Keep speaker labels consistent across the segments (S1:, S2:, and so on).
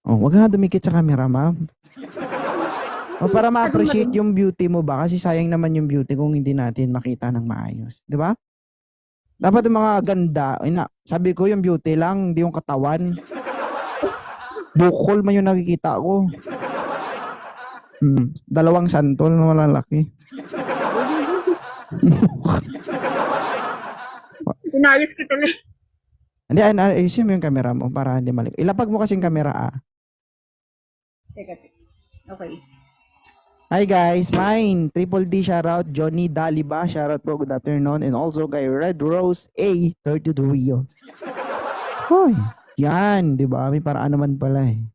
S1: Oh, wag nga dumikit sa camera, ma'am. O para ma-appreciate yung beauty mo ba? Kasi sayang naman yung beauty kung hindi natin makita ng maayos. Di ba? Dapat yung mga ganda, sabi ko yung beauty lang, hindi yung katawan. Bukol man yung nakikita ko. Dalawang santol na malalaki.
S2: Inayos ko tuloy.
S1: Hindi, ayusin mo yung camera mo para hindi mali. Ilapag mo kasing camera
S2: Teka. Okay.
S1: Hi guys, mine. Triple D shoutout. Johnny Daliba, shoutout po. Good afternoon. And also kay Red Rose A32. Hoy, yan, di ba? May paraan naman pala eh.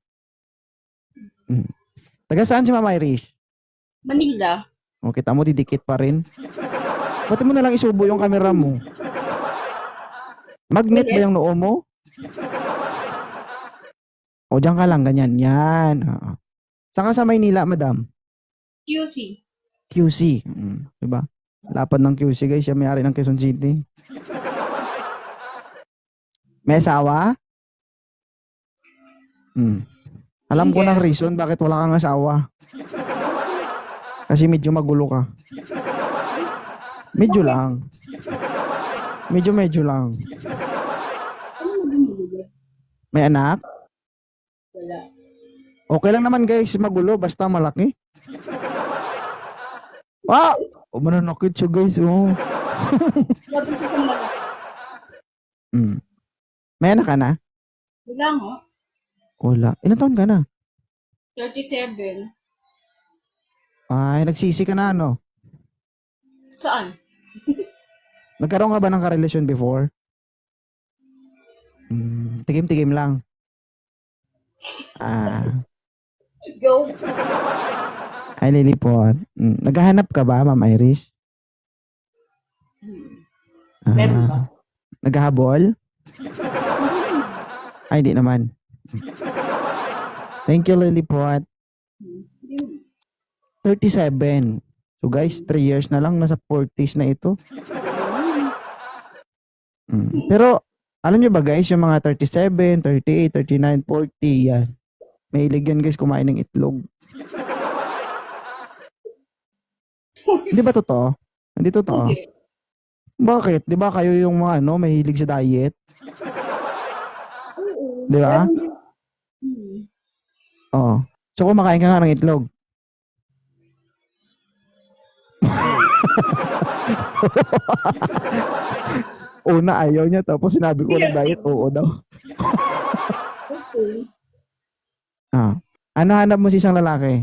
S1: Taga saan si Mama Irish?
S2: Manila.
S1: O, kita mo, didikit pa rin. Ba't mo nalang isubo yung camera mo? Magnet ba yung noo mo? O, dyan ka lang, ganyan. Yan. Saan ka sa Maynila, madam?
S2: QC.
S1: QC. Diba? Lapad ng QC, guys. Siya may-ari ng Quezon City. May asawa? Alam ko ng reason bakit wala kang asawa. Kasi medyo magulo ka. Medyo lang. Medyo lang. May anak?
S2: Wala.
S1: Okay lang naman guys, magulo basta malaki. Ah! O mananakit siya guys, oh.
S2: Labi siya sa malaki.
S1: May anak ka na?
S2: Wala nga.
S1: Wala. Ilan taon ka na?
S2: 37.
S1: Ay, nagsisi ka na ano?
S2: Saan?
S1: Nagkaroon ka ba ng karelasyon before? Tigim-tigim lang.
S2: Go.
S1: Ay, lilipot. Naghahanap ka ba, Ma'am Irish?
S2: Meron ba?
S1: Naghahabol? Ay, hindi naman. Thank you, Lilipot. 37. So guys, 3 years na lang, nasa 40s na ito. Pero, alam nyo ba guys, yung mga 37, 38, 39, 40, yan. Mahilig yan guys kumain ng itlog. Hindi ba totoo? Hindi totoo?
S2: Okay.
S1: Bakit? Di ba kayo yung mga mahilig sa diet? Di ba? Oo. So kumakain ka nga ng itlog. Una ayaw niya tapos sinabi ko ng diet, oo daw.
S2: Okay.
S1: Ano hanap mo sa isang lalaki?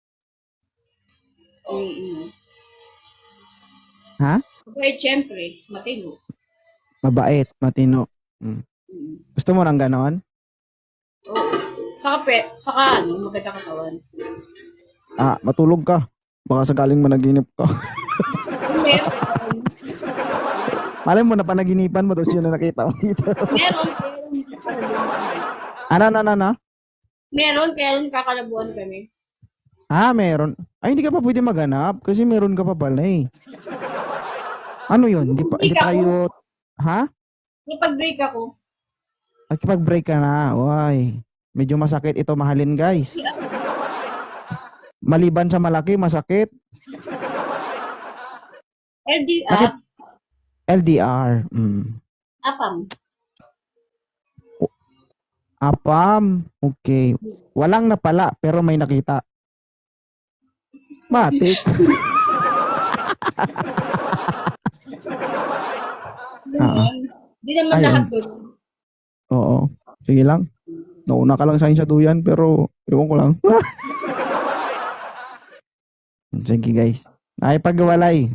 S1: Ha?
S2: Okay, syempre. Matino.
S1: Mabait, matino. Gusto mo ng ganon?
S2: Oo. Saka maganda katawan.
S1: Matulog ka. Baka sakaling managinip ka.
S2: Meron.
S1: Malay mo na panaginipan mo tapos yun na nakita mo dito.
S2: Meron.
S1: Ano?
S2: Meron, kaya kakalabuan kami.
S1: Meron. Ay, hindi ka pa pwede maghanap kasi meron ka pa pala eh. Ano yun? Hindi tayo... Ha?
S2: Napag-break ako.
S1: Nakipag-break ka na. Uy, medyo masakit ito mahalin guys. Maliban sa malaki, masakit.
S2: LDR.
S1: LDR.
S2: Apam.
S1: Apam. Okay. Walang napala pero may nakita. Matik.
S2: Di naman lahat doon.
S1: Oo. Sige lang. Nauna ka lang sa akin sa duyan pero ewan ko lang. Sige guys. Ay pagwalay.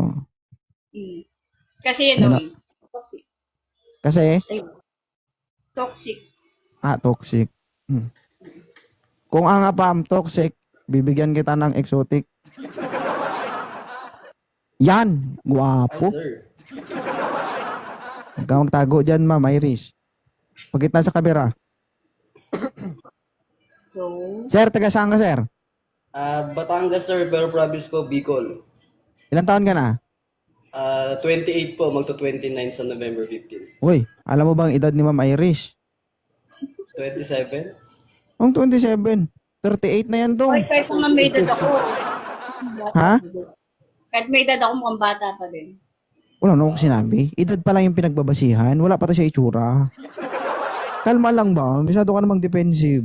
S2: Kasi toxic.
S1: Kasi?
S2: Toxic.
S1: Toxic. Kung ang apam toxic, bibigyan kita ng exotic. Yan. Guwapo. Huwag ka magtago dyan, Ma'am Irish. Pagkit na sa kamera. Sir, taga saan ka, sir?
S3: Batangas, sir, pero province ko, Bicol.
S1: Ilang taon ka na?
S3: 28 po, magto-29 sa November 15.
S1: Uy, alam mo bang edad ni Ma'am Irish?
S3: 27?
S1: Ang 27. 38 na yan dong.
S2: Ay, kahit mga may edad ako.
S1: Ha?
S2: Kahit may edad ako, mukhang bata pa din.
S1: Wala na akong sinabi. Edad pa lang yung pinagbabasihan. Wala pa to siya itsura. Kalma lang ba? Masyado ka namang defensive.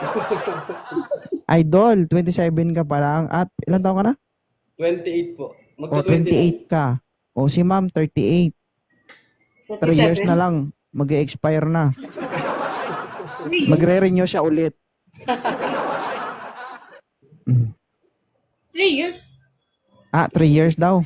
S1: Idol, 27 ka pa lang. At ilan taon ka na?
S3: 28 po.
S1: O,
S3: Magto
S1: 28 ka. O, si ma'am, 38. 3 years na lang. Mag-expire na. Magre-renew siya ulit.
S2: 3 years?
S1: 3 years daw.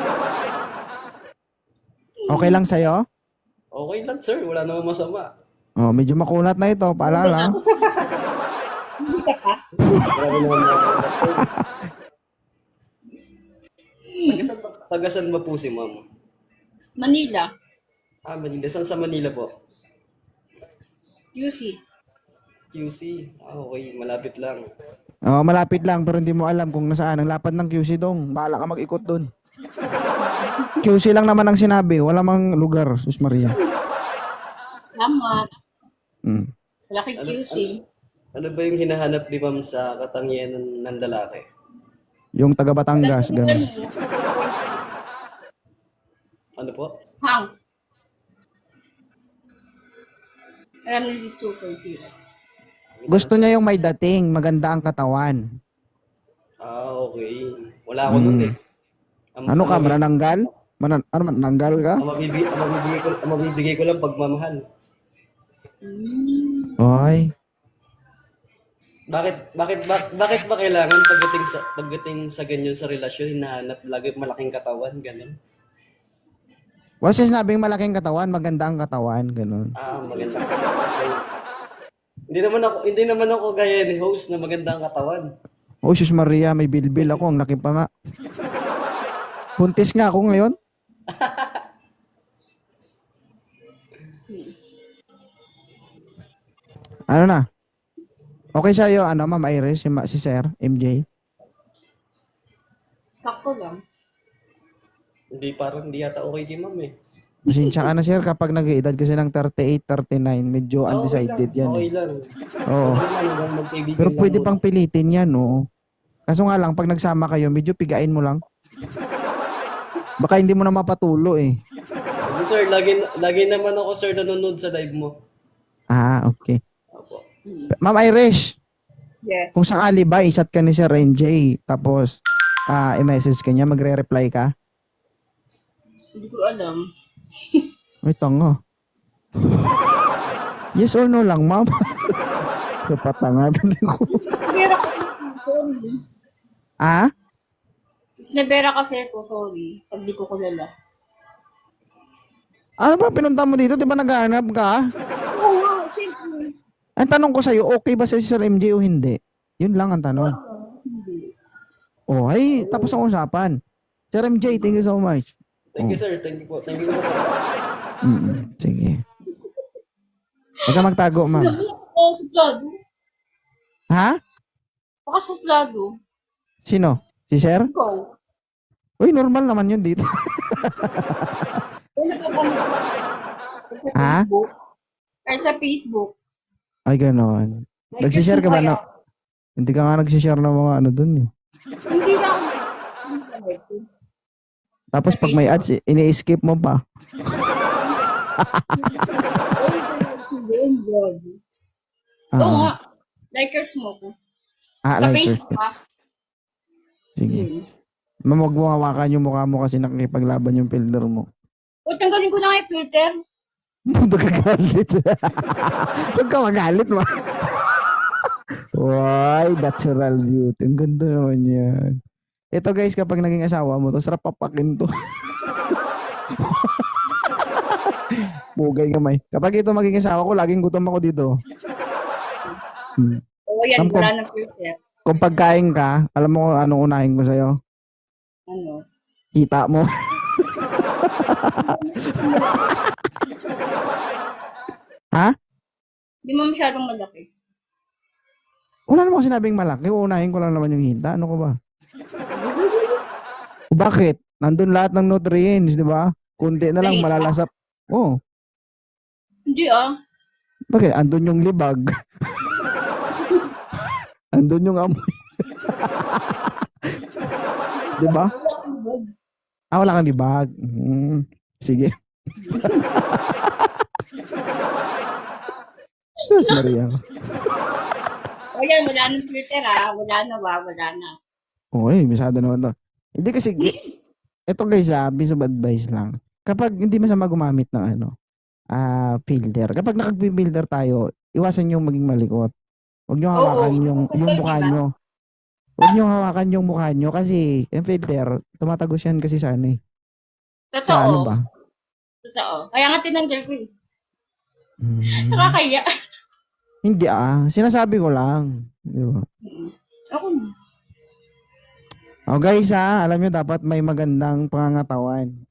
S1: Okay lang sa'yo?
S3: Okay lang, sir. Wala namang masama.
S1: Oh, medyo makunat na ito. Paalala.
S2: Hindi ka pa?
S3: Grabe naman mga Tagasan ba po si ma'am?
S2: Manila.
S3: Manila. Saan sa Manila po?
S2: UC.
S3: QC. Okay. Malapit lang.
S1: Oh, malapit lang pero hindi mo alam kung nasaan ang lapad ng QC dong. Bahala ka mag-ikot doon. QC lang naman ang sinabi, wala mang lugar, Sus Maria.
S2: Tama.
S1: Mm.
S2: Laki QC.
S3: Ano ba yung hinahanap ni ma'am sa katangian ng lalaki?
S1: Yung taga Batangas, ganun.
S3: Ano po?
S2: Hang. Alam niyo dito 2.0.
S1: Gusto niya yung may dating, maganda ang katawan.
S3: Okay. Wala ako nun eh.
S1: Ano ka, manananggal? Ano manananggal ka?
S3: Ang mabibigay ko lang pagmamahal.
S1: Oy.
S3: Bakit ba kailangan pagdating sa ganyan sa relasyon hinahanap lagi malaking katawan ganun?
S1: Wala siya sinabing malaking katawan, maganda ang katawan, ganun.
S3: Maganda. Hindi naman ako gaya ni host na maganda ang katawan.
S1: Oh, Sus Maria, may bilbil ako, ang laki pa nga. Buntis nga ako ngayon. Ano na? Okay sa'yo, Ma'am Iris, si Sir, MJ?
S2: Sakto lang.
S3: Hindi yata okay kay ma'am eh.
S1: Pasensya ka na, Sir, kapag nag-edad kasi ng 38, 39, medyo undecided yan.
S3: Okay
S1: Eh.
S3: lang.
S1: Oo.
S3: Magkaibigan
S1: Pero
S3: lang
S1: pwede
S3: muna.
S1: pang pilitin yan, no? Kaso nga lang, pag nagsama kayo, medyo pigain mo lang. Baka hindi mo na mapatulo eh.
S3: Sir, lagi naman ako sir nanonood sa live mo.
S1: Okay.
S3: Opo.
S1: Ma'am Irish,
S2: Yes.
S1: kung sakali ba, isat ka ni Sir MJ, tapos i-message ka niya, magre-reply ka?
S2: Hindi ko alam.
S1: Ay, tanga. Yes or no lang, ma'am? Kapatanga ko.
S2: Sinabera kasi ko, sorry. Sinabera kasi ko, sorry. Pag di ko kilala.
S1: Ano ba pinunta mo dito? Di ba naghahanap ka?
S2: Oo nga, siyempre.
S1: Ang tanong ko sa'yo, okay ba si Sir MJ o hindi? Yun lang ang tanong.
S2: Hindi.
S1: Oh, ay, tapos ang usapan. Sir MJ, thank you so much.
S3: Thank you sir, thank you po. Thank you po.
S1: Sige. Huwag ka magtago, ma'am.
S2: Suplado.
S1: Ha?
S2: Baka suplado.
S1: Sino? Si Sir?
S2: Ikaw.
S1: Uy, normal naman yun dito.
S2: Wala ka pa nito. Sa
S1: Ha?
S2: Facebook. Kahit sa Facebook.
S1: Ay, ganon. Nagsishare ka ba? No? Hindi ka nga nagsishare ng mga ano dun eh.
S2: Hindi na ako.
S1: Tapos pag may ads, ini-skip mo pa.
S2: Oo nga. Likers mo ko. Sa
S1: Like
S2: Facebook
S1: first.
S2: ha.
S1: Sige. Ma'am, huwag mo hawakan yung mukha mo kasi nakikipaglaban yung filter mo.
S2: O, tanggalin ko na nga yung filter.
S1: Magkagalit. Huwag ka magalit mo. Why, natural beauty. Ang ganda naman yan. Ito guys, kapag naging asawa mo to, sarap papakin to. Bugay kamay. Kapag ito maging asawa ko, laging gutom ako dito.
S2: Oo, yan.
S1: Ang
S2: Wala ng filter.
S1: Kung pagkain ka, alam mo kung anong unahin ko sa'yo?
S2: Ano?
S1: Kita mo. Ha?
S2: Hindi mo masyadong malaki.
S1: Wala naman ako sinabing malaki. Uunahin ko lang naman yung hita. Ano ko ba? Bakit? Nandun lahat ng nutrients, di ba? Kunti na lang
S2: Sa hita?
S1: malalasap. Oh,
S2: Hindi ah.
S1: bakit? Andun yung libag. Andun yung amoy. Di ba?
S2: Wala akong bag.
S1: Wala kang libag. Sige. Sus, Maria.
S2: O yan, wala nang filter Wala na wala na.
S1: Uy, bisado naman to. Hindi kasi, ito guys piece of advice lang. Kapag hindi masama gumamit ng filter. Kapag nakag-filter tayo, iwasan yung maging malikot. Huwag nyo hawakan yung mukha nyo. Huwag nyo hawakan yung mukha nyo kasi yung filter, tumatagos yan kasi sa ano eh.
S2: Totoo.
S1: Sa ano ba?
S2: Totoo. Kaya nga tinanggal ko eh.
S1: Hmm.
S2: Nakakaya.
S1: Hindi sinasabi ko lang. Di ba?
S2: Ako na.
S1: Guys alam nyo dapat may magandang pangangatawan.